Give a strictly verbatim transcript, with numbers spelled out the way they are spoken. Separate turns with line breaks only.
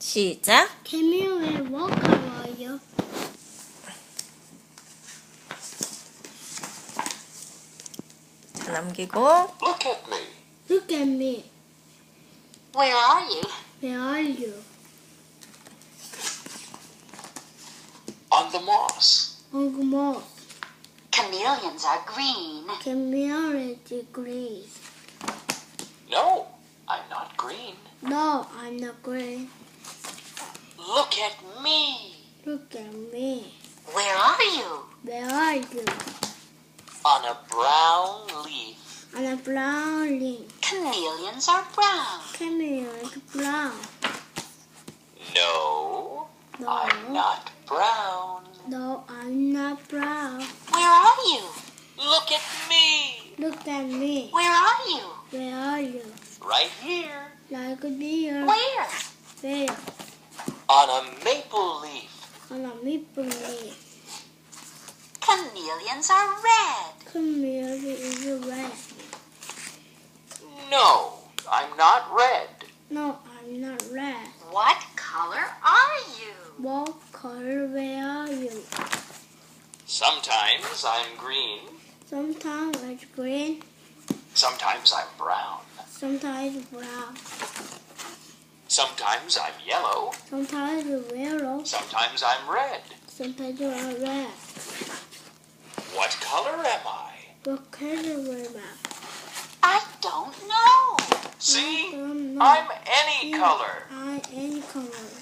시작.
개미왜 뭐 걸어요?
자, 남기고.
Look at me.
Look at me.
Where are you?
Where are you?
On the moss.
On the moss.
Chameleons are green.
Camille is green.
No, I'm not green.
No, I'm not green.
Look at me.
Look at me.
Where are you?
Where are you?
On a brown leaf.
On a brown leaf.
Chameleons are brown.
Camille is brown.
No,
No.
I'm not brown.
No, I'm not brown.
Where are you?
Look at me.
Look at me.
Where are you?
Where are you?
Right here.
Like a deer.
Where?
Where?
On a maple leaf.
On a maple leaf.
Chameleons are red.
Camille is red.
No, I'm not red.
No, I'm not red.
What color are you?
What color where are you?
Sometimes I'm green.
Sometimes it's green,
Sometimes I'm brown.
sometimes brown,
Sometimes I'm yellow.
sometimes yellow,
Sometimes I'm red.
sometimes red.
What color am I?
What color am I?
I don't know.
See?
I don't know.
I'm any color.
I any color.